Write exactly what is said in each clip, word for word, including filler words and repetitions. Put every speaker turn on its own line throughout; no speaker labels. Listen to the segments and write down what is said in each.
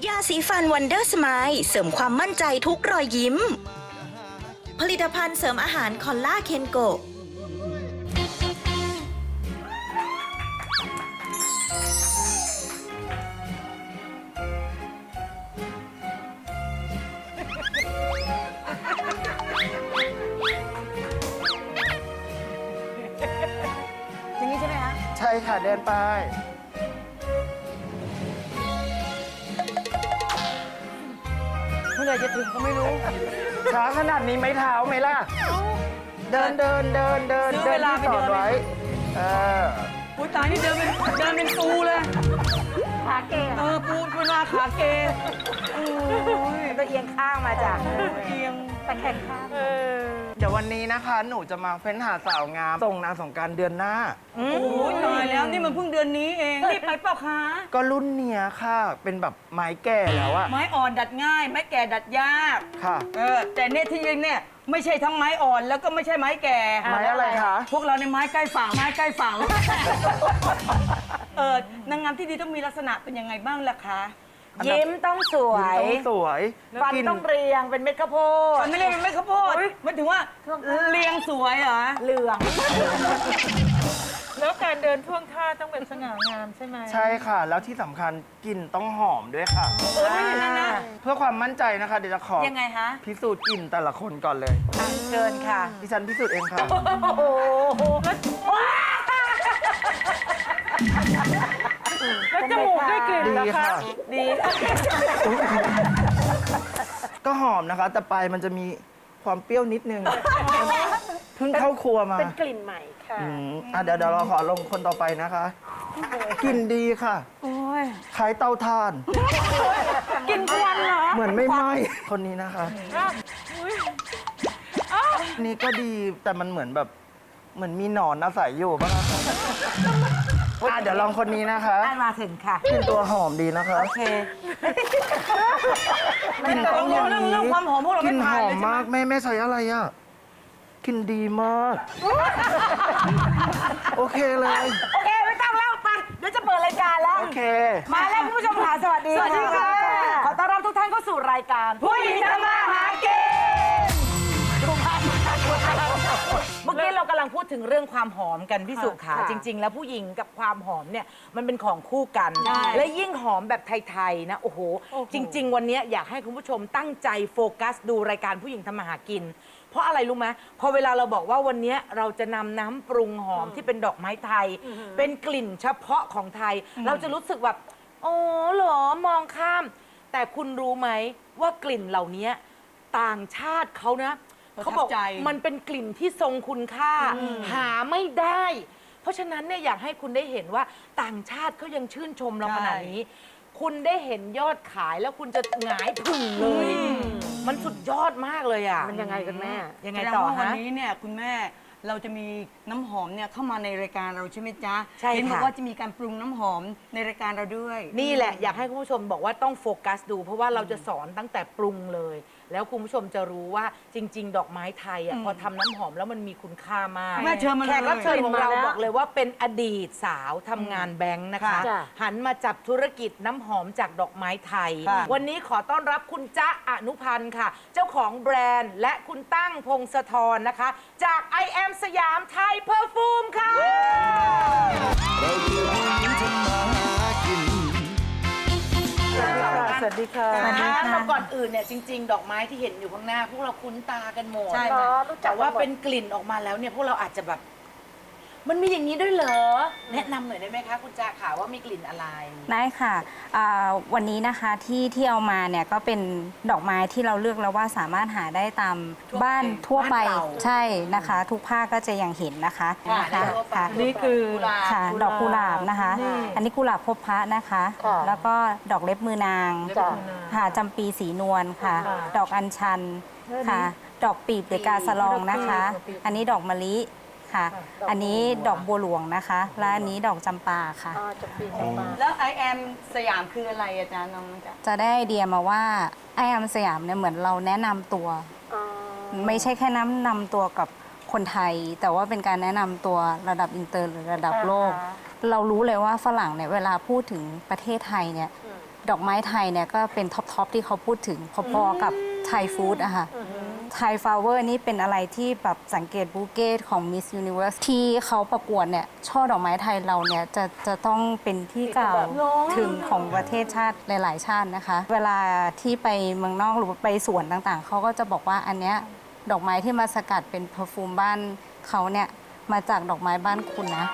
ยาสีฟันวันเดอร์สไมล์เสริมความมั่นใจทุกรอยยิ้ม ผลิตภัณฑ์เสริมอาหารคอลล่าเคนโก
อย่างนี้ใช่ไหมคะ
ใช่ค่ะเดินไป
เมื่อไหร่จะถึงก็ไม่รู้
ช้าขนาดนี้ไม่เท้าไหมล่ะ เดินเดินเดินเดิน
ซื้อ
เดิ
เวน ลา
ที่
ไป
สอน
เดิน
ไว้เออ
อุ้ยตายนี่เดินเป็นเดินเป็นปูเลย
ขาเกย
เออปูเวลาขาเกโอ้ย
ก็เอียงข้างมาจ้ะ
เอียง
ตะแคงข้าง
เดี๋ยววันนี้นะคะ หนูจะมาเฟ้นหาสาวงามส่งนางสงกรานต์เดือนหน้า
โอ้ยตายแล้วนี่มันเพิ่งเดือนนี้เองรีบไปเปล่าคะ
ก็รุ่นเนี้ยค่ะ เป็นแบบไม้แก่แล้วอะ
ไม้อ่อนดัดง่าย ไม้แก่ดัดยาก
ค่ะ
เออแต่เนี่ยที่ยิงเนี่ยไม่ใช่ทั้งไม้อ่อนแล้วก็ไม่ใช่ไม้แก่
ไม้อะไรคะ
พวกเราในไม้ใกล้ฝั่งไม้ใกล้ฝั่ง เออนางงามที่ดีต้องมีลักษณะเป็นยังไงบ้างล่ะคะ
ยิ้มต้องสวย
ต้องสวย
ฟัน
กิ
ต้องเรียงเป็นเม็ดข้าวโพด
มันไม่ได้เป็นไม่ข้าวโพดมันถึงว่าเรียงสวยเหรอ
เหลือง
แล้วการเดินท่วงท่าต้องเป็นสง่างามใช่ไหม
ใช่ค่ะ แล้วที่สำคัญกลิ่นต้องหอมด้วยค่ะ
เออนั่นนะ
เพื่อความมั่นใจนะคะ เดี๋ยวจะขอ
ยังไงฮะ
พิสูจน์กลิ่นแต่ละคนก่อนเลย
เชิญค่ะ
ดิฉันพิสูจน์เองค่ะ
แล้วจมูกได้กลิ่น
ดี
เหรอคะ
ค่ะ
ดี
ก็หอมนะคะ แต่ปลายมันจะมีความเปรี้ยวนิดนึง เพิ่งเข้าครัวมา
เป็นกลิ่นใหม่ค่ะ
อืมอ่ะเดี๋ยวเดี๋ยวเราขอลงคนต่อไปนะคะ กลิ่นดีค่ะคล้ายเตาถ่าน
กินควันเหรอ
เหมือนไม่ไหม้คนนี้นะคะ นี่ก็ดีแต่มันเหมือนแบบ เหมือนมีหนอนอาศัยอยู่ป่ะคะอ่ะเดี๋ยวลองคนนี้นะคะ
ได้มาถึงค่ะ
กลิ่นตัวหอมดีนะคะ
โอเค
กลิ่นต้องอย่าง
เรื่อง
นี้
เรื่องความหอมพวกเรา
ก
ไม่
ลิ่นห
ผ่าน
อ
เล
ม
ยใช่ไหม
มากแม่แม่ใช้อะไรอ่ะกลิ่นดีมาก โอเคเลย
โอเค ไม่ต้องเล่าไป เดี๋ยวจะเปิดรายการแล้ว
โอเค
มาแล้วคุณผู้ชมค่ะสวัสดี
สวัสดีค่ะ
ขอต้อนรับทุกท่านเข้าสู่รายการ
ผู้หญิงทำมาหากิน
เมื่อกี้เรากำลังพูดถึงเรื่องความหอมกันพี่สุขา
ค่ะ
จริง ๆ แล้วผู้หญิงกับความหอมเนี่ยมันเป็นของคู่กัน
ใช่
และยิ่งหอมแบบไทยๆนะโอ้โห จริง ๆ วันนี้อยากให้คุณผู้ชมตั้งใจโฟกัสดูรายการผู้หญิงทำมาหากิน เพราะอะไรรู้ไหมพอเวลาเราบอกว่าวันนี้เราจะนำน้ำปรุงหอมที่เป็นดอกไม้ไทย เป็นกลิ่นเฉพาะของไทย เราจะรู้สึกแบบโอ้เหรอมองข้าม แต่คุณรู้ไหมว่ากลิ่นเหล่านี้ต่างชาติเขานะ เขาบอกมันเป็นกลิ่นที่ทรงคุณค่า หาไม่ได้ เพราะฉะนั้นเนี่ยอยากให้คุณได้เห็นว่าต่างชาติเขายังชื่นชมเราขนาดนี้ คุณได้เห็นยอดขายแล้วคุณจะหงายผึ่งเลย มันสุดยอดมากเลยอ่ะ
มันยังไงกันแม่
ยังไง
แสดง
ต่อ
ว่าวัน
ฮะ
นี้เนี่ยคุณแม่เราจะมีน้ำหอมเนี่ยเข้ามาในรายการเราใช่ไหมจ๊ะ
ใช่ค่ะ
เห็นบอกว่าจะมีการปรุงน้ำหอมในรายการเราด้วย
นี่แหละอยากให้คุณผู้ชมบอกว่าต้องโฟกัสดู เพราะว่าเราจะสอนตั้งแต่ปรุงเลย แล้วคุณผู้ชมจะรู้ว่าจริง ๆ ดอกไม้ไทยอ่ะพอทำน้ำหอมแล้วมันมีคุณค่ามาก
แม่เชิญมาเลย
แขกรับเชิญของเรา
มาแล้ว
บอกเลยว่าเป็นอดีตสาวทำงานแบงค์นะคะ
จ้ะ
หันมาจับธุรกิจน้ำหอมจากดอกไม้ไทย
ค่ะ
วันนี้ขอต้อนรับคุณจ๊ะอนุพันธ์ค่ะ เจ้าของแบรนด์ และคุณตั้งพงศธรนะคะ จาก I am สยามไทยเพอร์ฟูมค่ะ
สวัสดีค่ะ
แล้วก่อนอื่นเนี่ยจริง ๆ ดอกไม้ที่เห็นอยู่ข้างหน้า พวกเราคุ้นตากันหมด
ใช่
อ๋
ค่ะ
อรู้จั
แต่
ก
ว่า
หมด
เป็นกลิ่นออกมาแล้วเนี่ยพวกเราอาจจะแบบ มันมีอย่างนี้ด้วยเหรอ แนะนำหน่อยได้ไหมคะ คุณจาขาว่ามีกลิ่นอะไร
ได้ค่ะอ่าวันนี้นะคะที่ที่เอามาเนี่ยก็เป็นดอกไม้ที่เราเลือกแล้วว่าสามารถหาได้ตาม
ทั่วไป
บ้านทั่วไป
บ้านเรา
ใช่นะคะ ทุกภาคก็จะยังเห็นนะคะ
ค่ะ
นะคะ
ทั่วไป
ค่ะ
นี่คือ
กุหลาบ
ค่ะ ดอกกุหลาบนะคะ
นี่
อันนี้กุหลาบพบพระนะคะ
ค่ะ
แล้วก็ดอกเล็บมือนาง
จ้ะ
ค่ะจำปีสีนวลค่ะ
ค่ะ
ดอกอัญชันค่ะ ดอกปีบหรือกาสะลองนะคะ
ดอกปีบ
อันนี้ดอกมะลิค่ะ
ค่ะดอก
อันนี้ดอกบัวหลวงนะคะ และอันนี้ดอกจำปาค่ะ
อ๋อจะปีจะมา
แล้ว I am สยามคืออะไรอาจารย์น้องจ๊ะ
จะได้ไอเดียมาว่าไอแอมสยามเนี่ยเหมือนเราแนะนำตัว
อ๋อ
ไม่ใช่แค่แนะนำตัวกับคนไทย แต่ว่าเป็นการแนะนำตัวระดับอินเตอร์หรือระดับโลก
อ่าฮะ
เรารู้เลยว่าฝรั่งเนี่ยเวลาพูดถึงประเทศไทยเนี่ยดอกไม้ไทยเนี่ยก็เป็นท็อปทอปที่เขาพูดถึงพอๆกับไทยฟู้ดอะค่ะไทยฟลาวเวอร์นี่เป็นอะไรที่แบบสังเกตบูเก้ของ Miss Universe ที่เขาประกวดเนี่ยช่อดอกไม้ไทยเราเนี่ยจะจะต้องเป็นที่กล่าวถึงของประเทศชาติหลายๆชาตินะคะ เวลาที่ไปเมืองนอกหรือว่าไปสวนต่างๆ เขาก็จะบอกว่าอันเนี้ยดอกไม้ที่มาสกัดเป็นเพอร์ฟูมบ้านเขาเนี่ยมาจากดอกไม้บ้านคุณนะ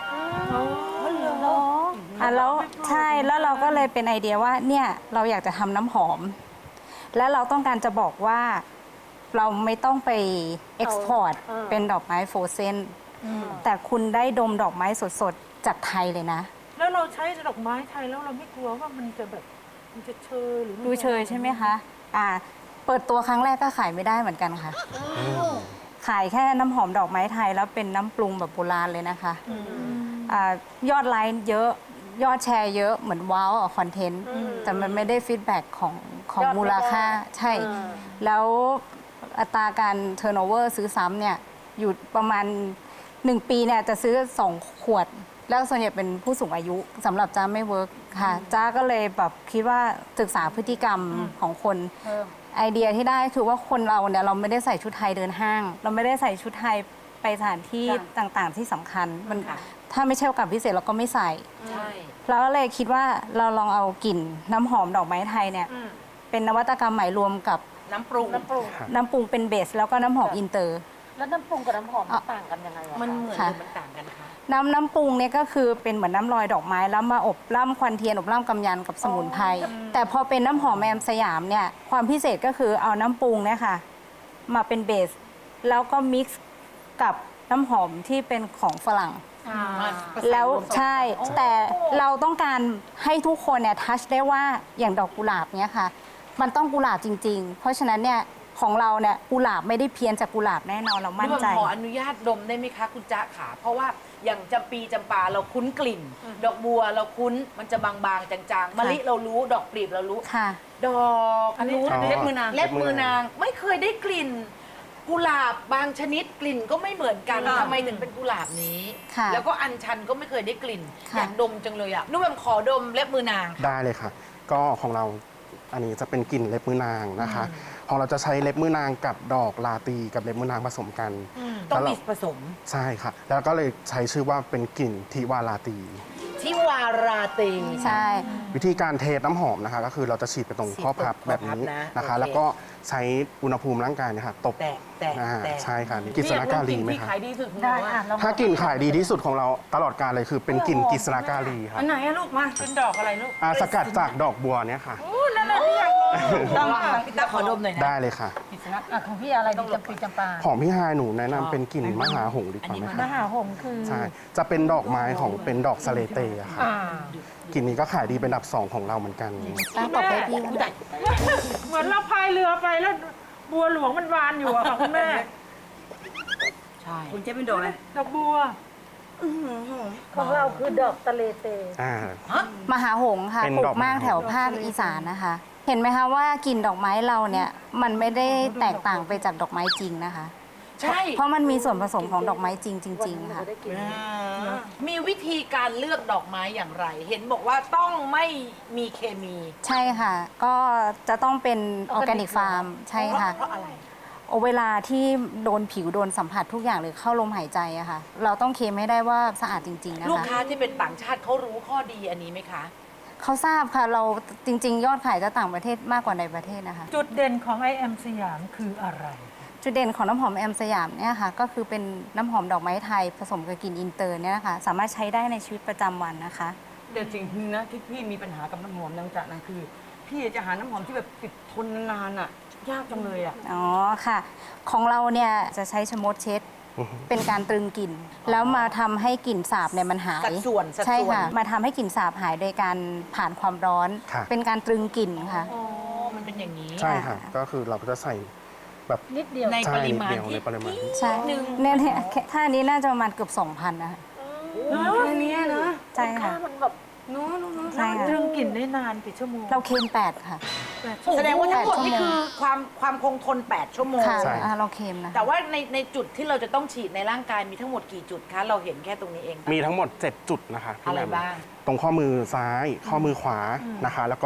อ่ะแล้วใช่แล้วเราก็เลยเป็นไอเดียว่าเนี่ยเราอยากจะทำน้ำหอม และเราต้องการจะบอกว่าเราไม่ต้องไปเอ็กซ์พอร์ตเป็นดอกไม้โฟรเซนแต่คุณได้ดมดอกไม้สดๆ จากไทยเลยนะ
แล้วเราใช้ดอกไม้ไทยแล้วเราไม่กลัวว่ามันจะแบบมันจะเชยหรือมัน
ดูเชยใช่ไหมคะอ่าเปิดตัวครั้งแรกก็ขายไม่ได้เหมือนกันค่ะ ขายแค่น้ำหอมดอกไม้ไทยแล้วเป็นน้ำปรุงแบบโบราณเลยนะคะอายอดไลค์เยอะยอดแชร์เยอะเหมือนว้าวคอนเทนต์แต่มันไม่ได้ฟีดแบ็กของของมูลค่าใช่ แล้วอัตราการเทอร์โนเวอร์ซื้อซ้ำเนี่ยอยู่ประมาณ หนึ่ง ปีเนี่ยจะซื้อ สอง ขวด แล้วส่วนใหญ่เป็นผู้สูงอายุสำหรับจ้าไม่เวิร์กค่ะจ้าก็เลยแบบคิดว่าศึกษาพฤติกรรมของคนไอเดียที่ได้คือว่าคนเราเนี่ยเราไม่ได้ใส่ชุดไทยเดินห้าง เราไม่ได้ใส่ชุดไทยไปสถานที่ต่างๆที่สำคัญมันถ้าไม่ใช่โอกาสพิเศษเราก็ไม่ใส่เราก็เลยคิดว่าเราลองเอากลิ่นน้ำหอมดอกไม้ไทยเนี่ยเป็นนวัตกรรมใหม่รวมกับ
น้ำปรุง
น้ำปรุงเป็นเบสแล้วก็น้ำหอมอินเตอร์
แล้วน้ำปรุงกับน้ำหอมมันต่างกันยังไงอะ
มันเหมือนห
ค่ะ
รือมันต่างกันคะ
น้ำน้ำปรุงเนี่ยก็คือเป็นเหมือนน้ำลอยดอกไม้แล้วมาอบล่ำควันเทียนอบล่ำกำยันกับสมุนไพรแต่พอเป็นน้ำหอมแอมสยามเนี่ยความพิเศษก็คือเอาน้ำปรุงเนี่ยค่ะมาเป็นเบสแล้วก็มิกซ์กับน้ำหอมที่เป็นของฝรั่ง แล้วใช่แต่เราต้องการให้ทุกคนเนี่ยทัชได้ว่าอย่างดอกกุหลาบเนี่ยค่ะมันต้องกุหลาบจริง ๆ เพราะฉะนั้นเนี่ยของเราเนี่ยกุหลาบไม่ได้เพี้ยนจากกุหลาบแน่นอนเรามั่นใจ
ขออนุญาตดมได้ไหมคะคุณจ๊ะขาเพราะว่าอย่างจำปีจำปาเราคุ้นกลิ่น ดอกบัวเราคุ้นมันจะบางๆจางๆมะลิเรารู้ดอกปลีบเรารู้
ค่ะ
ดอกอันนี้
อ๋อ
เล็บมือนางเล็บมือนางไม่เคยได้กลิ่น กุหลาบบางชนิดกลิ่นก็ไม่เหมือนกันทำไมถึงเป็นกุหลาบนี้
ค่ะ
แล้วก็อัญชันก็ไม่เคยได้กลิ่น
ค่ะ
อยากดมจังเลยอะนุ่มแบมขอดมเล็บมือนาง
ได้เลยค่ะ ก็ของเราอันนี้จะเป็นกลิ่นเล็บมือนางนะคะของเราจะใช้เล็บมือนางกับดอกลาตีกับเล็บมือนางผสมกัน
ต้อง
แล้ว
มี
เรา
ผสม
ใช่ค่ะ แล้วก็เลยใช้ชื่อว่าเป็นกลิ่นทิวาลาตี
ที่วาราตี
ใช่
วิธีการเทน้ำหอมนะคะ ก็คือเราจะฉีดไปตรงข้อพับแบบนี้
ข้อพับนะ
นะคะ
โอเค
แล้วก็ใช้อุณหภูมิร่างกายเนะคะตบ
แตะแตะ
อ่า
แตะ
ใช่ค่ะนี่กฤษณาการีไหม
ที่
คะ
ขายดีสุดของ
ได้
เรา
อ่ะ
อะ
เรา
ถ้ากลิ่นขายดีที่สุดของเราตลอดกาลเลยคือเป็นกลิ่นกฤษณาการีครับ
อันไหนอะลูกมา
เป็นดอกอะไรลูก
อ่าสกัดจากดอกบัวเนี่ยค่ะ
นั่นแหละที่อยากลอง
ต้อง
พี่ตาขอดมหน่อยนะ
ได้เลยค่ะ
กิจนัทอ่ะของพี่อะไรดีจำปีจำปา
ของพี่ฮายหนูแนะนำเป็นกลิ่นมหาหงส์ดีกว่าไหม
ม
คะ
หาหงส์คือ
ใช่ จะเป็นดอกไม้ของเป็นดอกสะเลเตอะค่ะ
อ่า
กลิ่นนี้ก็ขายดีเป็นอันดับสองของเราเหมือนกัน
ตั้งตบให้พี่ก็ได้
เหมือนเราพายเรือไปแล้วบัวหลวงมันวานอยู่อะค่ะคุณแม่
ใช่
คุณเจ๊เป็นดอกอะไร
ดอกบัวของเราคือดอกตะเลเต
อ่า
มหาหงส์ค่ะ
เป็น
ปลู
ดอก
กมาก
มหาหงส์
แถวภาคอีสานนะคะ เห็นไหมคะว่ากลิ่นดอกไม้เราเนี่ยมันไม่ได้แตกต่างไปจากดอกไม้จริงนะคะ
ใช่
เพราะมันมีส่วนผสมของดอกไม้จริง จริง ๆ ค่ะ
มีวิธีการเลือกดอกไม้อย่างไร เห็นบอกว่าต้องไม่มีเคมี
ใช่ค่ะ ก็จะต้องเป็นออร์แกนิกฟาร์มใช่ค่ะ
เพราะอะไร
โอเวลาที่โดนผิวโดนสัมผัสทุกอย่างหรือเข้าลมหายใจอะค่ะ เราต้องเคลมให้ได้ว่าสะอาดจริง ๆ นะ
ลูก
คะ
ค้าที่เป็นต่างชาติเขารู้ข้อดีอันนี้ไหมคะ
เขาทราบค่ะเราจริง ๆ ยอดขายจะต่างประเทศมากกว่าในประเทศนะคะ
จุดเด่นของ ไอ เอ็ม สยามคืออะไร
จุดเด่นของน้ำหอมแอมสยามเนี่ยค่ะก็คือเป็นน้ำหอมดอกไม้ไทยผสมกับกลิ่นอินเตอร์เนี่ยนะคะสามารถใช้ได้ในชีวิตประจำวันนะคะ
แต่สิ่งหนึงนะที่พี่มีปัญหากับน้ำหอมดังจากนั้นคือ พี่จะหาน้ำหอมที่แบบติดทนนานๆอะยากจังเลยอะ
อ๋อค่ะ ของเราเนี่ยจะใช้ชะมดเช็ด เป็นการตรึงกลิ่น แล้วมาทำให้กลิ่นสาบเนี่ยมันหาย
สัดส่วนสัดส่วน
ใช่ค่ะ มาทำให้กลิ่นสาบหายโดยการผ่านความร้อน
ค่ะ
เป็นการตรึงกลิ่นค่ะ
อ๋อ มันเป็นอย่างนี้
ใช่ค่ะ ก็คือเราก็จะใส่แบบ
นิดเดียว
ใน
ใช่
ปริมาณ
นิดเดียว
ที่
ในปริมาณ
ใช่เนี่ยเนี่ยแค่ถ้าอันนี้น่าจะประมาณเกือบ2,000นะคะ
แค่เนี้ยนะ
ใช่ค่ะ
มันแบบ
เนู้น
ใช่ค่ะ
ตรึงกลิ่นได้นานกี่ชั่วโมง
เราเค็มแปดค่ะ
แสดงว่าทั้งหมด
แปดชั่วโมง
นี่คือความความคงทน แปด ชั่วโมง
ค่ะ
ใช่
อ่าเราเค็มนะ
แต่ว่าในในจุดที่เราจะต้องฉีดในร่างกายมีทั้งหมดกี่จุดคะ เราเห็นแค่ตรงนี้เอง
มีทั้งหมด เจ็ด จุดนะคะพี่
อะไร
แหม่ม
บ้าง
ตรงข้อมือซ้าย ข้อมือขวานะคะ แล้วก็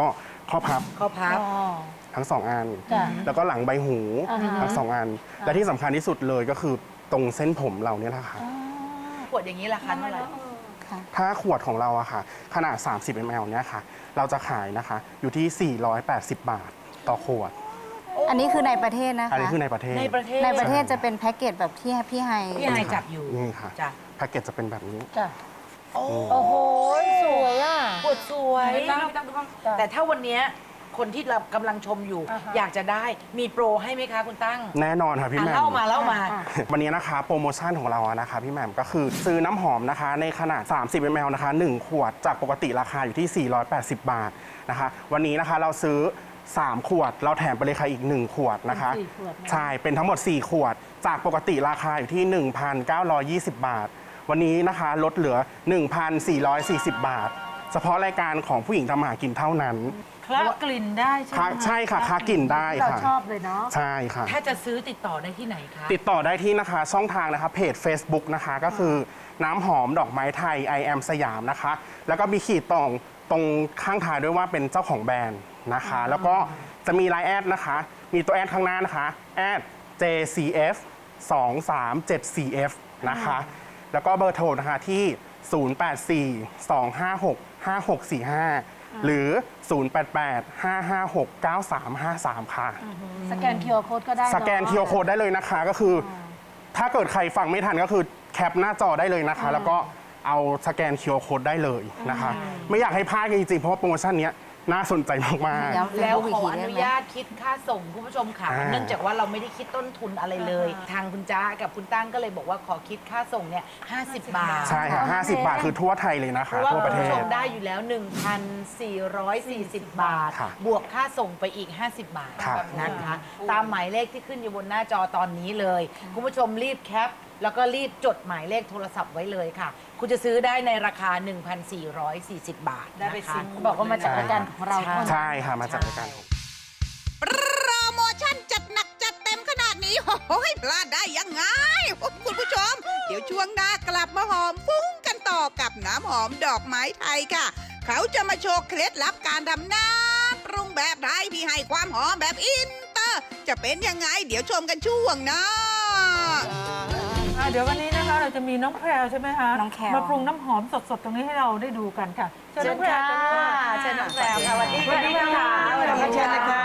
ข้อพับ
ข้อพับ
ทั้งสองอัน
จ้ะ
แล้วก็หลังใบหู
อ่าฮะ
ทั้งสองอัน และที่สำคัญที่สุดเลยก็คือตรงเส้นผมเราเนี่ยแหละค่ะ
ขวดอย่างนี้ราคาเท่าไหร่
ถ้าขวดของเราอะค่ะ ขนาด สามสิบมิลลิลิตร เนี่ยค่ะ เราจะขายนะคะ อยู่ที่ สี่ร้อยแปดสิบ บาทต่อขวด
อันนี้คือในประเทศนะคะ
อันนี้คือในประเทศ
ในประเทศ
ในประเทศจะเป็นแพ็กเกจแบบที่พี่ไฮ
พี่ไฮจับอยู่
นี่ค่ะ
จ้ะ
แพ็กเกจจะเป็นแบบนี้
จ้ะ
โอ้
โอ้โห สวยอ่ะ
ขวดสวย
ไม่ต้องไม่ต้องไม่ต้อง
แต่ถ้าวันเนี้ยคนที่เรากำลังชมอยู่
อ่าฮะ
อยากจะได้มีโปรให้ไหมคะคุณตั้ง
แน่นอนค่ะพี่
อ่ะ
แหม่ม
เล่ามาเล่ามา
วันนี้นะคะโปรโมชั่นของเราอะนะคะพี่แหม่มก็คือซื้อน้ำหอมนะคะในขนาด สามสิบมิลลิลิตร นะคะหนึ่งขวดจากปกติราคาอยู่ที่ สี่ร้อยแปดสิบ บาทนะคะวันนี้นะคะเราซื้อ สาม ขวด เราแถมไปเลยค่ะอีก หนึ่ง ขวดนะคะ
เป็นสี่ขวดนะ
ใช่เป็นทั้งหมด สี่ ขวด จากปกติราคาอยู่ที่ หนึ่งพันเก้าร้อยยี่สิบ บาท วันนี้นะคะลดเหลือ หนึ่งพันสี่ร้อยสี่สิบ บาท เฉพาะรายการของผู้หญิงทำมาหากินเท่านั้น
คละกลิ่นได้ใช่ไหม
ค่ะใช่ค่ะคละกลิ่นได้
เรา
ค่ะ
ชอบเลยเนาะ
ใช่ค่ะ
ถ้าจะซื้อติดต่อได้ที่ไหนคะ
ติดต่อได้ที่นะคะช่องทางนะคะเพจ Facebook นะคะก็คือน้ำหอมดอกไม้ไทย I am สยามนะคะ แล้วก็มีขีดตรงตรงข้างท้ายด้วยว่าเป็นเจ้าของแบรนด์นะคะ แล้วก็จะมีไลน์แอดนะคะ มีตัวแอดข้างหน้านะคะแอด เจ ซี เอฟ สองสามเจ็ด สี่ เอฟ นะคะ แล้วก็เบอร์โทรนะคะที่ ศูนย์ แปด สี่ สอง ห้า หก ห้า หก สี่ ห้า หรือ ศูนย์ แปด แปด ห้า ห้า หก เก้า สาม ห้า สาม ค่ะ
สแกน คิว อาร์ Code ก็ได้
สแกน
เอะ
คิว อาร์ Code ได้เลยนะคะ ก็คืออถ้าเกิดใครฟังไม่ทันก็คือแคปหน้าจอได้เลยนะคะ แล้วก็เอาสแกน คิว อาร์ Code ได้เลยนะคะ ไม่อยากให้พลาดจริงๆ เพราะว่าโปรโมชั่นเนี้ยน่าสนใจมาก
ย้ำ
แล้ว
อีก
ขอ
ที
อ
ได้
นุ
ไหม
ญาตคิดค่าส่งคุณผู้ชมค่ะ
อ่า
เนื่องจากว่าเราไม่ได้คิดต้นทุนอะไรเลย ทางคุณจ้ากับคุณตั้งก็เลยบอกว่าขอคิดค่าส่งเนี่ยห้าสิบบาท
ๆ ใช่ค่ะ ห้าสิบ บาทคือทั่วไทยเลยนะ
เพ
คะ
ราะว่า
ทั่วประ
คุณ
เท
ผู้ช
ศ
มได้อยู่แล้ว หนึ่งพันสี่ร้อยสี่สิบ บาท
ค่ะ
บวกค่าส่งไปอีก ห้าสิบบาท
ครับ
นะคะ ตามหมายเลขที่ขึ้นอยู่บนหน้าจอตอนนี้เลย คุณผู้ชมรีบแคป แล้วก็รีบจดหมายเลขโทรศัพท์ไว้เลยค่ะ คุณจะซื้อได้ในราคา หนึ่งพันสี่ร้อยสี่สิบ บาท
ได้ไป
นะคะ
ซิงบอกว่ามาจากรายการของเรา
ใช่
เท่านั้น
ใช่ค่ะ มาจากรายการ
โปรโมชั่นจัดหนักจัดเต็มขนาดนี้โอ้ยพลาดได้ยังไง คุณผู้ชม เดี๋ยวช่วงหน้ากลับมาหอมฟุ้งกันต่อกับน้ำหอมดอกไม้ไทยค่ะ เขาจะมาโชว์เคล็ดลับการทำน้ำปรุงแบบไทยที่ให้ความหอมแบบอินเตอร์ จะเป็นยังไง เดี๋ยวชมกันช่วงหน้า
อ่ะเดี๋ยววันนี้นะคะเราจะมีน้องแพรวใช่ไหมคะ
น้องแพรว
มาปรุงน้ำหอมสดๆ ตรงนี้ให้เราได้ดูกันค่ะเชิญน้องแพรว
เชิญน้องแพรวค่ะสวัสดี
สวัสดีค่ะ
สวัสดีค่ะ
เชิญเลยค่ะ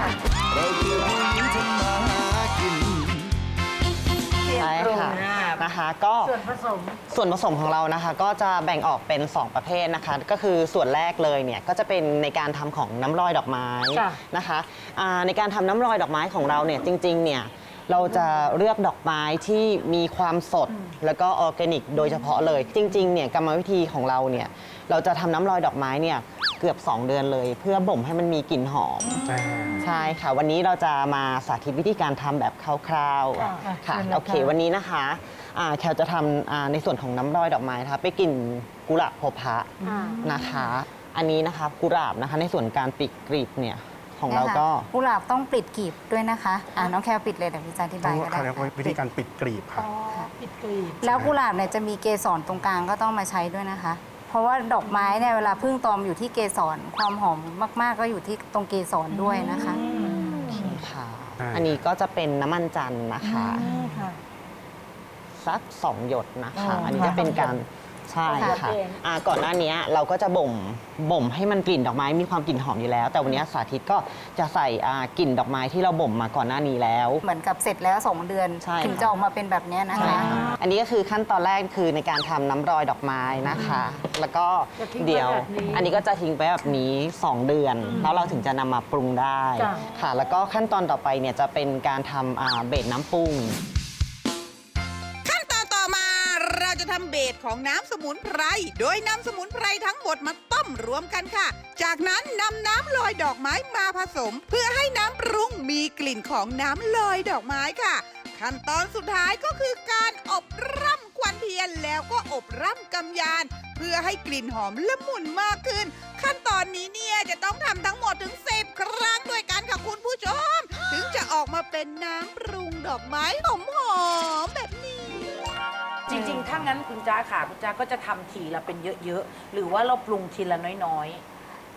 ใช่ค่ะนะคะก็
ส่วนผสม
ส่วนผสมของเรานะคะก็จะแบ่งออกเป็น สอง ประเภทนะคะ ก็คือส่วนแรกเลยเนี่ยก็จะเป็นในการทำของน้ำลอยดอกไม้
จ้ะ
นะคะอ่าในการทำน้ำลอยดอกไม้ของเราเนี่ยจริงๆเนี่ยเราจะเลือกดอกไม้ที่มีความสดแล้วก็ออร์แกนิกโดยเฉพาะเลย จริงๆเนี่ยกรรมวิธีของเราเนี่ยเราจะทำน้ำลอยดอกไม้เนี่ยเกือบ สอง เดือนเลย เพื่อบ่มให้มันมีกลิ่นหอม ใช่ค่ะ วันนี้เราจะมาสาธิตวิธีการทำแบบคร่าวๆ
ค่ะ
ค่ะ
เชิญเลย
โอเค
ค่ะ
วันนี้นะคะอ่าแคลจะทำอ่าในส่วนของน้ำร้อยดอกไม้นะคะไปกลิ่นกุหลาบพบพระนะคะ อันนี้นะคะกุหลาบนะคะในส่วนการปิดกลีบเนี่ยของเราก็
นะคะกุหลาบต้องปิดกลีบด้วยนะคะอ่าน้องแคลปิดเลยเดี๋ยวพี่จะอธิบายก็ได้
เขาเรียกว่าวิธีการปิดกลีบค่ะ
ปิดกลีบ
แล้วกุหลาบเนี่ยจะมีเกสรตรงกลางก็ต้องมาใช้ด้วยนะคะ เพราะว่าดอกไม้เนี่ยเวลาพึ่งตอมอยู่ที่เกสรความหอมมากๆก็อยู่ที่ตรงเกสรด้วยนะคะ
ค่ะ
อ่า
อันนี้ก็จะเป็นน้ำมันจันทร์นะคะ
ค่ะ
สักสองหยดนะคะ
อ๋ออั
อันนี้จะเป็นการใช่
ค่ะ
ค่ะอ่าก่อนหน้านี้เราก็จะบ่มบ่มให้มันกลิ่นดอกไม้มีความกลิ่นหอมอยู่แล้ว แต่วันนี้สาธิตก็จะใส่อ่ากลิ่นดอกไม้ที่เราบ่มมาก่อนหน้านี้แล้ว
เหมือนกับเสร็จแล้วสองเดือน
ใช่
ถึงจะออกมาเป็นแบบเนี้ยนะ
ใช่
คะ
ค่ะอันนี้ก็คือขั้นตอนแรกคือในการทำน้ำรอยดอกไม้นะคะ แล้วก็
จะทิ้งไว้
เดี๋ยว
แบบนี้
อันนี้ก็จะทิ้งไปแบบนี้สองเดือน แล้วเราถึงจะนำมาปรุงได้
จ้ะ
ค่ะ แล้วก็ขั้นตอนต่อไปเนี่ยจะเป็นการทำอ่าเบสน้ำปรุง
ขั้นตอนต่อมาเราจะทำเบสของน้ำสมุนไพร โดยนำสมุนไพรทั้งหมดมาต้มรวมกันค่ะ จากนั้นนำน้ำลอยดอกไม้มาผสม เพื่อให้น้ำปรุงมีกลิ่นของน้ำลอยดอกไม้ค่ะ ขั้นตอนสุดท้ายก็คือการอบร่ำควันเทียนแล้วก็อบร่ำกำยาน เพื่อให้กลิ่นหอมละมุนมากขึ้น ขั้นตอนนี้เนี่ยจะต้องทำทั้งหมดถึงสิบครั้งด้วยกันค่ะคุณผู้ชม ถึงจะออกมาเป็นน้ำปรุงดอกไม้หอมๆแบบนี้
จริงๆ ถ้างั้นคุณจ้าค่ะ คุณจ้าก็จะทำทีละเป็นเยอะๆ หรือว่าเราปรุงทีละน้อย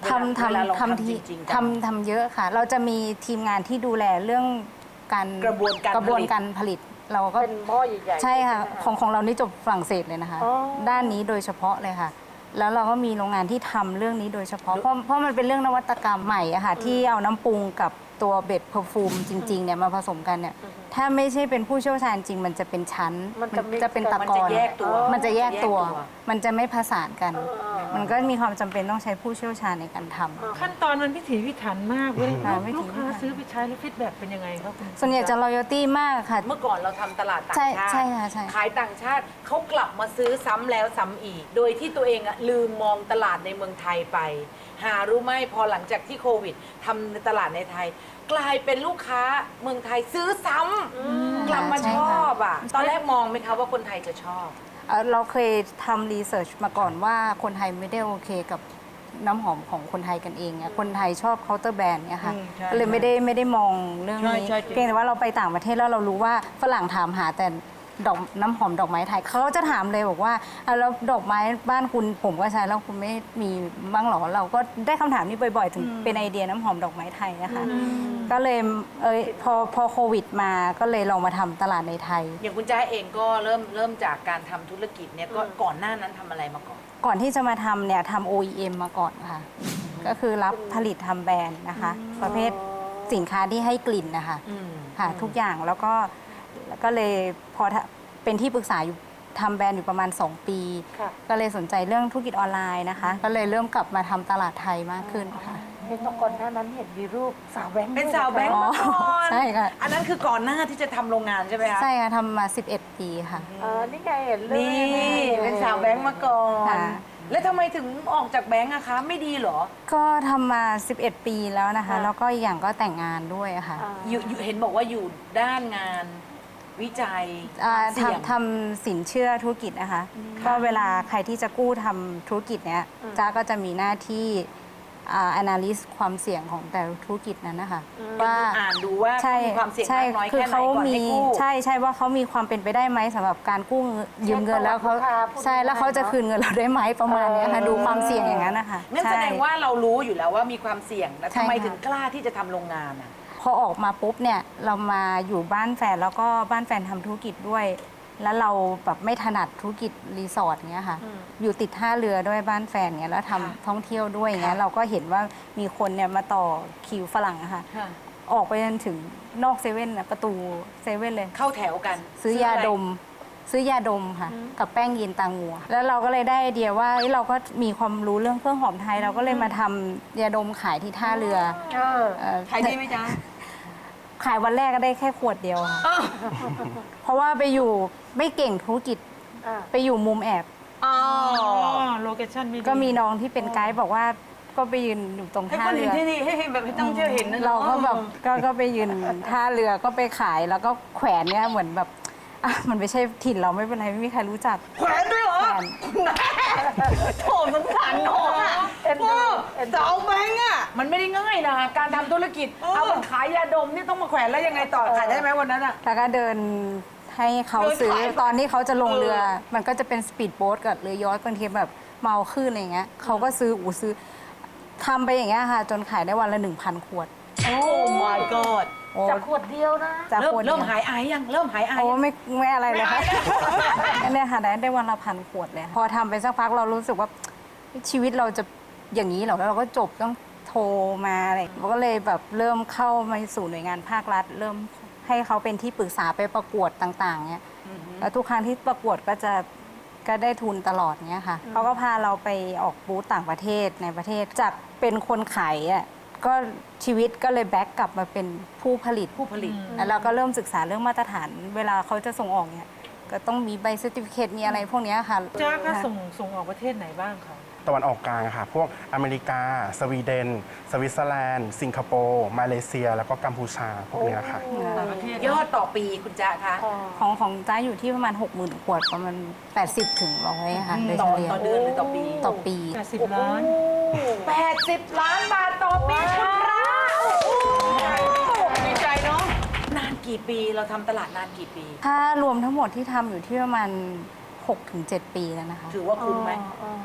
ทำ
เวลาเรา
ทำ
ทำ
ทำที
จริงๆ
ทำทำเยอะค่ะ เราจะมีทีมงานที่ดูแลเรื่องการ
กระบวนการ
กระบวน
ผลิต
การผลิต เราก็
เป็นหม้อใหญ่ๆ
ใช่ค่ะ
ไหม
ของของเรานี่จบฝรั่งเศสเลยนะคะ
อ๋อ
ด้านนี้โดยเฉพาะเลยค่ะ แล้วเราก็มีโรงงานที่ทำเรื่องนี้โดยเฉพาะ เพราะเพราะมันเป็นเรื่องนวัตกรรมใหม่อะค่ะที่เอาน้ำปรุงกับตัวเบสเพอร์ฟูมจริงๆเนี่ยมาผสมกันเนี่ยถ้าไม่ใช่เป็นผู้เชี่ยวชาญจริง มันจะเป็นชั้น
มันจะ mix
จะเป็นตะ
มัน
กอ
จะ
น
แยกตัว
มันจะแยกตัว
มันจะแยกตัว
มันจะไม่ผสานกัน มันก็มีความจำเป็นต้องใช้ผู้เชี่ยวชาญในการทำ
ขั้นตอนมันพิถีพิถันมากเว้ย
ค่ะพิถี
ลูกค้า
พิถัน
ซื้อไปใช้แล้วฟีดแบ็กเป็นยังไงครับคุณ
ส่วนใหญ่จะ loyalty มากค่ะ
เมื่อก่อนเราทำตลาดต่าง
ใช่
ชาติ
ใช่ค่ะใช่
ขายต่างชาติเขากลับมาซื้อซ้ำแล้วซ้ำอีก โดยที่ตัวเองอะลืมมองตลาดในเมืองไทยไป หารู้ไหมพอหลังจากที่โควิดทำในตลาดในไทย กลายเป็นลูกค้าเมืองไทยซื้อซ้ำกลับมา
ใช่
ช
ค่ะ
อบอ่ะตอนแรกมองไหมคะว่าคนไทยจะชอบ
เอ่อเราเคยทำรีเสิร์ชมาก่อนว่าคนไทยไม่ได้โอเคกับน้ำหอมของคนไทยกันเองเนี่ยคนไทยชอบเคาน์เตอร์แบรนด์เนี่ยค่ะ
อืมใช่
ก็เลยไม่ได้ไม่ได้มองเรื่องนี้
ใช่ใช่จริง
เพียงแต่ว่าเราไปต่างประเทศแล้วเรารู้ว่าฝรั่งถามหาแต่ดอกน้ำหอมดอกไม้ไทยเขาจะถามเลยบอกว่าอ่ะแล้วดอกไม้บ้านคุณผมก็ใช้แล้วคุณไม่มีบ้างหรอเราก็ได้คำถามนี้บ่อยๆ ถึงเป็นไอเดียน้ำหอมดอกไม้ไทยนะคะก็เลยเอยพอพอโควิดมาก็เลยลองมาทำตลาดในไทย
อย่างคุณจ้าเองก็เริ่มเริ่มจากการทำธุรกิจเนี่ยก็ก่อนหน้านั้นทำอะไรมาก่อน
ก่อนที่จะมาทำเนี่ยทำ โอ อี เอ็ม มาก่อนค่ะ ก็คือรับผลิตทำแบรนด์นะคะ ประเภทสินค้าที่ให้กลิ่นนะคะ
อืม
ค่ะทุกอย่างแล้วก็แล้วก็เลยพอทะเป็นที่ปรึกษาอยู่ทำแบรนด์อยู่ประมาณ สอง ปี
ค่ะ
ก็เลยสนใจเรื่องธุรกิจออนไลน์นะคะ ก็เลยเริ่มกลับมาทำตลาดไทยมากขึ้นค่ะ
เห็นตอนก่อนหน้านั้นเห็นมีรูปสาวแบงค์
เป็นสาวแบงค์มาก่อน
ใช่ค่ะ
อันนั้นคือก่อนหน้าที่จะทำโรงงานใช่ไหมคะ
ใช่ค่ะทำมา สิบเอ็ด ปีค่ะ
เออนี่ไงเห็นเลย
นี่เป็นสาวแบงค์มาก่อน
ค่ะ
แล้วทำไมถึงออกจากแบงค์อะคะ ไม่ดีเหรอ
ก็ทำมา สิบเอ็ด ปีแล้วนะคะ แล้วก็อีกอย่างก็แต่งงานด้วยอะค่ะ
อยู่อยู่เห็นบอกว่าอยู่ด้านงานวิจัย
อ่า
เสี่ยง
ทำทำสินเชื่อธุรกิจนะคะ ก็เวลาใครที่จะกู้ทำธุรกิจเนี้ยจ้าก็จะมีหน้าที่อ่า analyze ความเสี่ยงของแต่ละธุรกิจนั้นนะคะว่า
อ่านดูว่า
ใช่
มีความเสี่ยง
ใช่
มากน้อย
คือ
แค่ไหน
เขา
ก่อน
มี
ให้กู้
ใช่ใช่ว่าเขามีความเป็นไปได้ไหมสำหรับการกู้เงินยืมเงินแล้วเขาใช่แล้วเขาจะคืนเงินเราได้ไหมประมาณเนี้ยค่ะดูความเสี่ยงอย่างนั้นนะคะ
นั่นแสดง
ใช่
ว่าเรารู้อยู่แล้วว่ามีความเสี่ยงแล้ว
ใช่
ทำไม
ค่ะ
ถึงกล้าที่จะทำโรงงานอะ
พอออกมาปุ๊บเนี่ยเรามาอยู่บ้านแฟนแล้วก็บ้านแฟนทำธุรกิจด้วย แล้วเราแบบไม่ถนัดธุรกิจรีสอร์ทเงี้ยค่ะ อยู่ติดท่าเรือด้วยบ้านแฟนเงี้ยแล้วทำท่องเที่ยวด้วยเงี้ยเราก็เห็นว่ามีคนเนี่ยมาต่อคิวฝรั่งอะค่ะ ออกไปจนถึงนอกเซเว่นนะประตูเซเว่นเลย
เข้าแถวกัน
ซื้อยาดม ซื้อยาดมค่ะ กับแป้งยีนตางัว แล้วเราก็เลยได้ไอเดียว่าเอ้ยเราก็มีความรู้เรื่องเครื่องหอมไทย เราก็เลยมาทำยาดมขายที่ท่าเรือ
เออ
เอ่อ
ขายดีไหมจ๊ะ
ขายวันแรกก็ได้แค่ขวดเดียวค่ะ เพราะว่าไปอยู่ไม่เก่งธุรกิจ
อ่า
ไปอยู่มุมแอบ
อ๋อ
โลเคชั่นไม่ดี
ก็มีน้องที่เป็นไกด์บอกว่าก็ไปยืนอยู่ตรง
ให้
ท่า
คน
เรื
เห็น
อ
ที่นี่ให้ให้แบบให้ต้องเที่ยวเห็นนะ
เราก็แบบก็ก็ไปยืนท่าเรือก็ไปขายแล้วก็แขวนเนี่ยเหมือนแบบอ่ะมันไม่ใช่ถิ่นเราไม่เป็นไรไม่มีใครรู้จัก
แขวนด้วยเหรอ
แขวน
โถสงสารน้องอะพ่อสาวแบงค์อะ
มันไม่ได้ง่ายนะการทำธุรกิจ เอามันขายยาดมนี่ต้องมาแขวนแล้วยังไงต่อขายได้ไหมวันนั้นอะ
แล้วก็เดินให้เขาซื้อ
เดินขาย
ตอนที่เขาจะลงเรือ มันก็จะเป็นสปีดโบ๊ทกับเรือยอชต์บางทีแบบเมาขึ้นอะไรเงี้ยเขาก็ซื้ออูซื้อทำไปอย่างเงี้ยค่ะ จนขายได้วันละหนึ่งพันขวด
โอ้ my god
โอ้
จากขวดเดียวนะ
จาก
เริ่ม
ขวด
เริ่ม
ดียว
หายอายยัง เริ่มหายอาย
โอ้
ยัง
ไม่ไม่อะไรเลยค่ะอันเนี้ยค่ะได้ได้วันละพันขวดเลย พอทำไปสักพักเรารู้สึกว่าชีวิตเราจะอย่างนี้เหรอแล้วเราก็จบต้องโทรมาอะไรเราก็เลยแบบเริ่มเข้ามาสู่หน่วยงานภาครัฐ เริ่มให้เขาเป็นที่ปรึกษาไปประกวดต่างๆเนี้ยแล้วทุกครั้งที่ประกวดก็จะก็ได้ทุนตลอดเนี้ยค่ะเขาก็พาเราไปออกบูธต่างประเทศในประเทศจากเป็นคนขายอ่ะก็ชีวิตก็เลยแบ็กกลับมาเป็นผู้ผลิต
ผู้ผลิต
แล้วเราก็เริ่มศึกษาเรื่องมาตรฐาน เวลาเขาจะส่งออกเนี่ยก็ต้องมีใบเซอร์ติฟิเคตมีอะไรพวกเนี้ยค่ะ
จ้าก็ส่งส่งออกประเทศไหนบ้างคะ
ตะวันออกกลางค่ะ พวกอเมริกา สวีเดน สวิตเซอร์แลนด์ สิงคโปร์ มาเลเซีย แล้วก็กัมพูชา พวกเนี้ยค่ะ
ยอดต่อปีคุณจ๊ะคะ
ของของจ้าอยู่ที่ประมาณ หกหมื่น ขวดประมาณ แปดสิบ ถึงร้อยค่ะโดย
ต่
เฉ
อ
ลี่ย
ต่อเดือนหรือต่อปี
ต่อปี
แปดสิบล้าน
แปดสิบล้านบาทต่อปีคุณพระ
ดีใจเนาะ
นานกี่ปีเราทำตลาดนานกี่ปี
ถ้ารวมทั้งหมดที่ทำอยู่ที่ประมาณ หกถึงเจ็ด ปีแล้วนะคะ
ถือว่าคุ้มไหม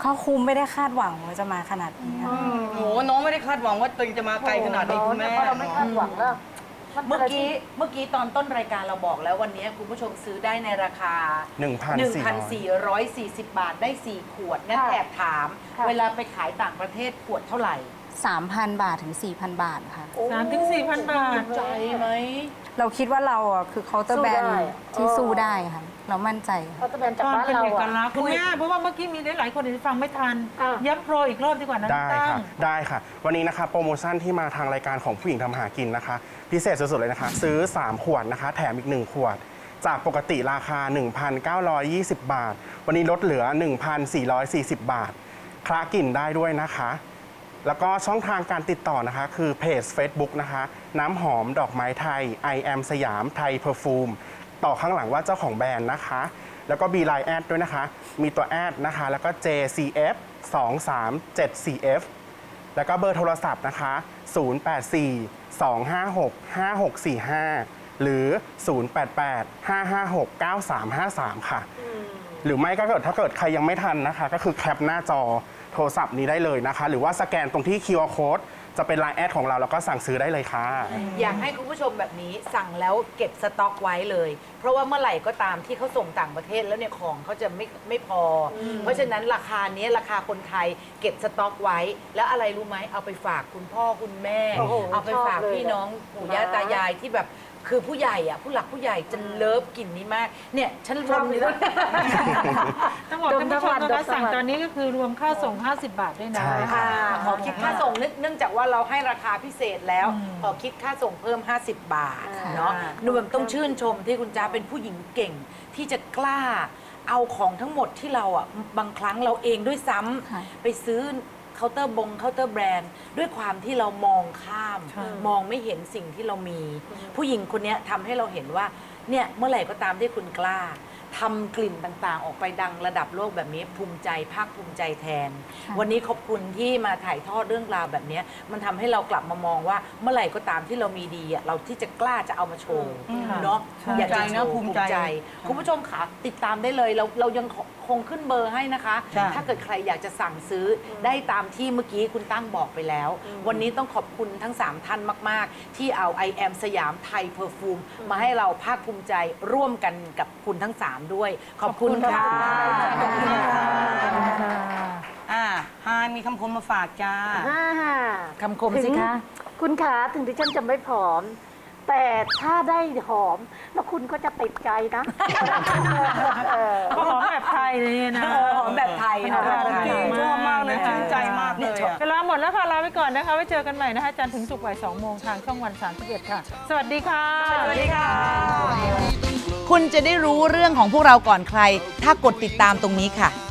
เขาคุมไม่ได้คาดหวังว่าจะมาขนาดนี้ค่ะ
โอ้โหน้องไม่ได้คาดหวังว่าตัวเองจะมาไกลขนาดนี้คุณแม่
เราไม่คาดหวังแล้ว
เมื่อกี้เมื่อกี้ตอนต้นรายการเราบอกแล้ววันนี้คุณผู้ชมซื้อได้ในราคา
หนึ่งพันสี่ร้อย
หนึ่งพันสี่ร้อยสี่สิบบาทได้สี่ขวดงั้นแอบถาม เวลาไปขายต่างประเทศขวดเท่าไหร่
สามพัน บาทถึง สี่พัน บาทค่ะ
สามถึงสี่พันบาท
ใจไหม
เราคิดว่าเราอ่ะคือเคาน์เตอร์แบรน
สู้ได้
ด์ที่สู้ได้ค่ะ เรามั่นใจค่ะ
เขาจะเป็นจากบ้านเราอะคุณแม่เพราะว่าเมื่อกี้มีหลายๆคนที่ฟังไม่ทัน ย้ำโปรอีกรอบดีกว่านะ
ได้
ตั้
ค่ะ
ง
ได้ค่ะ วันนี้นะคะโปรโมชั่นที่มาทางรายการของผู้หญิงทำหากินนะคะ พิเศษสุดๆเลยนะคะ ซื้อ สาม ขวดนะคะ แถมอีก หนึ่ง ขวด จากปกติราคา หนึ่งพันเก้าร้อยยี่สิบ บาท วันนี้ลดเหลือ หนึ่งพันสี่ร้อยสี่สิบ บาท คละกลิ่นได้ด้วยนะคะ แล้วก็ช่องทางการติดต่อนะคะคือเพจ Facebook นะคะ น้ำหอมดอกไม้ไทย I am สยามไทยเพอร์ฟูมต่อข้างหลังว่าเจ้าของแบรนด์นะคะ แล้วก็มีไลน์แอดด้วยนะคะ มีตัวแอดนะคะ แล้วก็ เจ ซี เอฟ สองสามเจ็ด สี่ เอฟ แล้วก็เบอร์โทรศัพท์นะคะ ศูนย์ แปด สี่ สอง ห้า หก ห้า หก สี่ ห้า หรือ ศูนย์ แปด แปด ห้า ห้า หก เก้า สาม ห้า สาม ค่ะ หรือไม่ก็เกิดถ้าเกิดใครยังไม่ทันนะคะ ก็คือแคปหน้าจอโทรศัพท์นี้ได้เลยนะคะ หรือว่าสแกนตรงที่ คิว อาร์ Code จะเป็นไลน์แอดของเราแล้วก็สั่งซื้อได้เลยค่ะ
อยากให้คุณผู้ชมแบบนี้สั่งแล้วเก็บสต็อกไว้เลย เพราะว่าเมื่อไหร่ก็ตามที่เขาส่งต่างประเทศแล้วเนี่ยของเขาจะไม่ไม่พออเพราะฉะนั้นราคานี้ราคาคนไทยเก็บสต็อกไว้ แล้วอะไรรู้ไหมเอาไปฝากคุณพ่อคุณแม่
โอ้โห
เอาไปฝาก
ชอบเลย
พี่น้องปู่ย่าตายายที่แบบคือผู้ใหญ่อะผู้หลักผู้ใหญ่จะเลิฟกลิ่นนี้มากเนี่ยฉันรวมเลยนะ
ต้องบอกท่านผู้ชมนะคะสั่งตอนนี้ก็คือรวมค่าส่ง ห้าสิบบาทด้วยนะ
ใช่ค่ะ
ขอคิดค่าส่งเนื่องเนื่องจากว่าเราให้ราคาพิเศษแล้ว ขอคิดค่าส่งเพิ่ม ห้าสิบบาทเนาะหนูแบบต้องชื่นชมที่คุณจ้าเป็นผู้หญิงเก่งที่จะกล้าเอาของทั้งหมดที่เราอ่ะบางครั้งเราเองด้วยซ้ำ
ค่ะ
ไปซื้อเคาน์เตอร์บงเคาน์เตอร์แบรนด์ด้วยความที่เรามองข้าม มองไม่เห็นสิ่งที่เรามี ผู้หญิงคนนี้ทำให้เราเห็นว่าเนี่ยเมื่อไหร่ก็ตามที่คุณกล้าทำกลิ่นต่างๆ ออกไปดังระดับโลกแบบนี้ภูมิใจภาคภูมิใจแทน วันนี้ขอบคุณที่มาถ่ายทอดเรื่องราวแบบนี้มันทำให้เรากลับมามองว่าเมื่อไหร่ก็ตามที่เรามีดีอะเราที่จะกล้าจะเอามาโชว์เนาะอยากจะโชว์
ภูมิใจนะ
คุณผู้ชมค่ะติดตามได้เลยเราเรายังคงขึ้นเบอร์ให้นะคะ
จ้ะ
ถ้าเกิดใครอยากจะสั่งซื้อได้ตามที่เมื่อกี้คุณตั้งบอกไปแล้ว วันนี้ต้องขอบคุณทั้งสามท่านมาก ๆ ที่เอา I am สยามไทยเพอร์ฟูมมาให้เราภาคภูมิใจร่วมกันกับคุณทั้งสามด้วย ขอบคุณค่ะ
ขอบคุณค่ะอ่าฮายมีคำคมมาฝากจ้า
คำคมสิคะ
คุณขาถึงที่ฉันจะไม่ผอม แต่ถ้าได้หอม แล้วคุณก็จะติดใจนะ
ก็หอมแบบไทยเลยนะ
หอมแบบไทยหอมแบบไทย
ชอบมากเลยชื่นใจมากเลยอะ
เวลาหมดแล้วค่ะ ลาไปก่อนนะคะ ไว้เจอกันใหม่นะคะ จันทร์ถึงศุกร์บ่ายสองโมงทางช่องวันสามสิบเอ็ดค่ะ สวัสดีค่ะ
สวัสดีค่ะ
คุณจะได้รู้เรื่องของพวกเราก่อนใคร ถ้ากดติดตามตรงนี้ค่ะ